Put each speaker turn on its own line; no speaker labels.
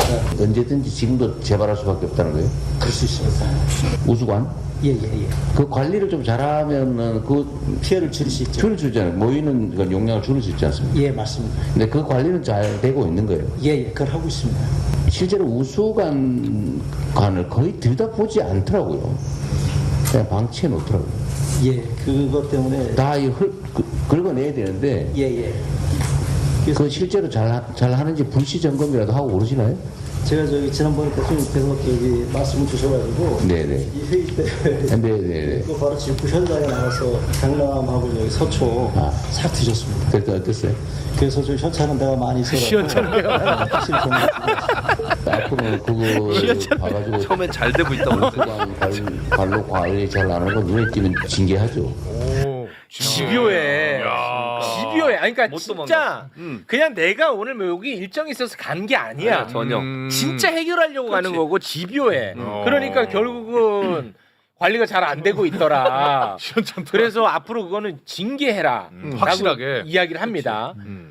언제든지 지금도 재발할 수밖에 없다는 거예요.
그럴 수 있습니다.
우수관?
예.
그 관리를 좀 잘하면은 그
피해를 줄일 수 있죠.
줄일 수 있잖아요. 모이는 그 용량을 줄일 수 있지 않습니까?
예, 맞습니다.
근데 그 관리는 잘 되고 있는 거예요.
예, 그걸 하고 있습니다.
실제로 우수관을 거의 들여다보지 않더라고요. 그냥 방치해 놓더라고요.
예, 그것 때문에
다 긁어내야 되는데
예.
그 실제로 잘 하는지 불시 점검이라도 하고 그러시나요?
제가 저기 지난번에 대통령께서 여기 말씀을 주셔가지고
네네.
이 회의 때
네네네.
그 바로 지금 현장에 나가서 강남하고 여기 서초 싹 뒤졌습니다.
그때 어땠어요?
그래서 저 현찰은 데가 많이 있어요.
시원찮은 데가
확실히
앞으로는 그거 봐가지고
처음엔 잘 되고 있다고.
우수관 관로 관리 잘 안 하는 건 눈에 띄면 징계하죠.
오, 집요해. 집요해. 아니, 그러니까
못
진짜 그냥 내가 오늘 뭐 여기 일정이 있어서 간 게 아니야.
전혀.
진짜 해결하려고 가는
그렇지.
거고 집요해. 그러니까 결국은 관리가 잘 안 되고 있더라. 그래서 앞으로 그거는 징계해라. 라고
확실하게.
이야기를 합니다.